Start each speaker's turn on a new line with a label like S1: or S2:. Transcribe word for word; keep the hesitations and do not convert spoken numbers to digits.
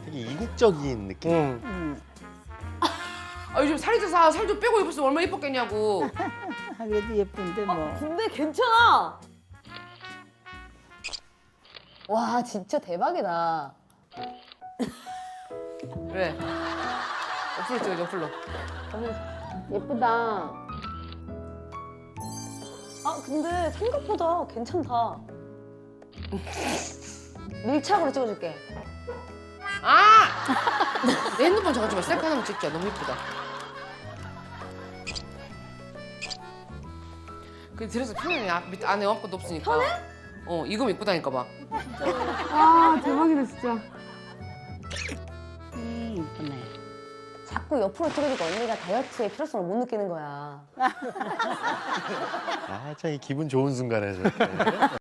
S1: 되게 이국적인 느낌.
S2: 응.
S3: 응.
S4: 아 요즘 살이 쪄서 살 좀 빼고 입었으면 얼마나 예뻤겠냐고.
S3: 아, 그래도 예쁜데 뭐.
S5: 근데 괜찮아. 와 진짜 대박이다.
S4: 그래. 옆으로 찍어 옆으로.
S5: 예쁘다. 아 근데 생각보다 괜찮다. 밀착으로 찍어줄게.
S4: 아! 내 핸드폰 잠깐 좀 셀카 하나만 찍자. 너무 예쁘다. 그 들어서 편하네. 앞, 밑, 안에 아무것도 없으니까. 편해? 어, 이거만 입고 다니까 봐.
S6: 아 대박이다 진짜.
S3: 음, 이쁘네.
S5: 자꾸 옆으로 찍으니까 언니가 다이어트의 필요성을 못 느끼는 거야.
S1: 아, 참 이 기분 좋은 순간에 저렇게.